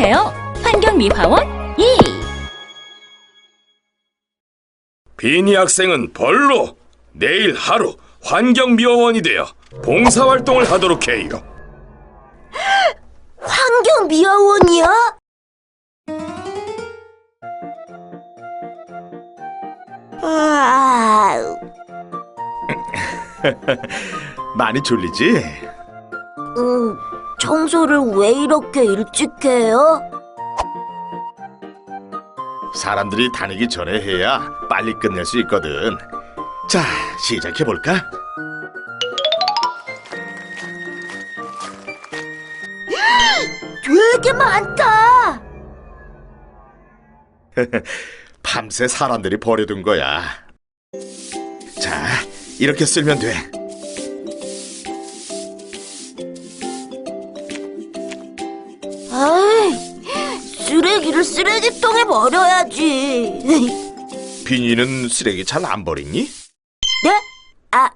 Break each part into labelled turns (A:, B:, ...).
A: 해주세요. 환경미화원 예!
B: 비니 학생은 벌로 내일 하루 환경미화원이 되어 봉사활동을 하도록 해요.
C: 환경미화원이요?
D: 많이 졸리지?
C: 청소를 왜 이렇게 일찍 해요?
D: 사람들이 다니기 전에 해야 빨리 끝낼 수 있거든. 자, 시작해볼까?
C: 되게 많다!
D: 밤새 사람들이 버려둔 거야. 자, 이렇게 쓸면 돼.
C: 아이, 쓰레기를 쓰레기통에 버려야지.
D: 비니는 쓰레기 잘 안 버리니?
C: 네? 아,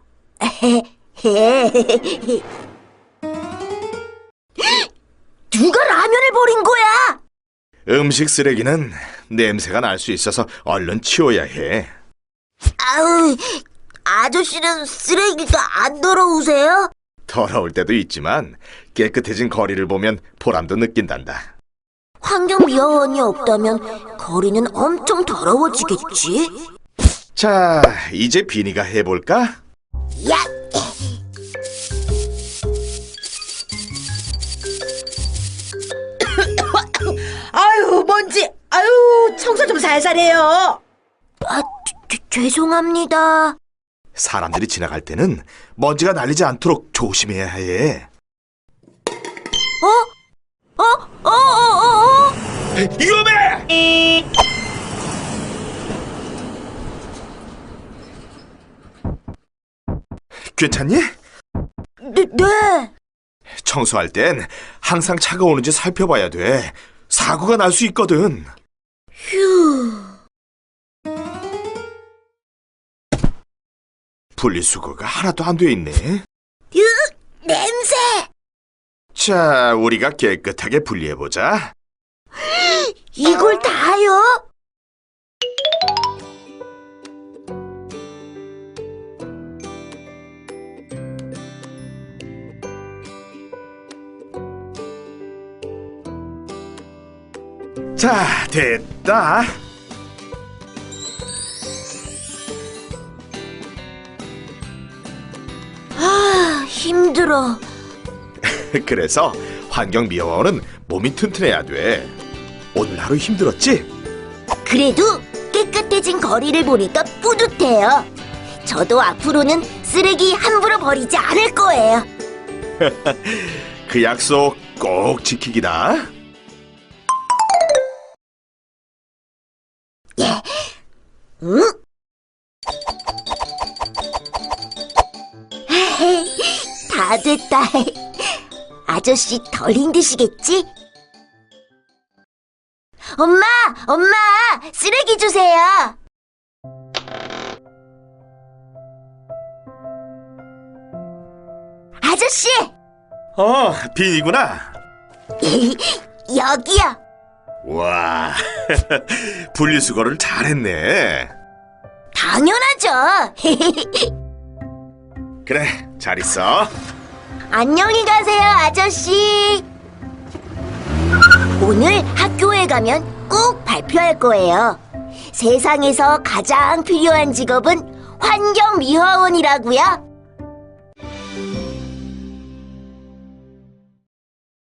C: 누가 라면을 버린 거야?
D: 음식 쓰레기는 냄새가 날 수 있어서 얼른 치워야 해.
C: 아우, 아저씨는 쓰레기가 안 더러우세요?
D: 더러울 때도 있지만 깨끗해진 거리를 보면 보람도 느낀단다.
C: 환경미화원이 없다면 거리는 엄청 더러워지겠지?
D: 자, 이제 비니가 해볼까?
C: 야!
E: 아유, 먼지. 아유, 청소 좀 살살 해요.
C: 아, 죄송합니다.
D: 사람들이 지나갈 때는 먼지가 날리지 않도록 조심해야 해. 위험해! 괜찮니?
C: 네.
D: 청소할 땐 항상 차가 오는지 살펴봐야 돼. 사고가 날 수 있거든.
C: 휴.
D: 분리수거가 하나도 안 돼 있네.
C: 냄새!
D: 자, 우리가 깨끗하게 분리해보자.
C: 이걸 다요?
D: 자, 됐다.
C: 아, 힘들어.
D: 그래서 환경미화원은 몸이 튼튼해야 돼. 오늘 하루 힘들었지?
C: 그래도 깨끗해진 거리를 보니까 뿌듯해요. 저도 앞으로는 쓰레기 함부로 버리지 않을 거예요.
D: 그 약속 꼭 지키기다.
C: 응? 다 됐다. 아저씨 덜 힘드시겠지? 엄마! 엄마! 쓰레기 주세요! 아저씨!
D: 비니구나.
C: 여기요!
D: 와, 분리수거를 잘했네.
C: 당연하죠!
D: 그래, 잘 있어.
C: 안녕히 가세요, 아저씨! 오늘 학교에 가면 꼭 발표할 거예요. 세상에서 가장 필요한 직업은 환경미화원이라고요.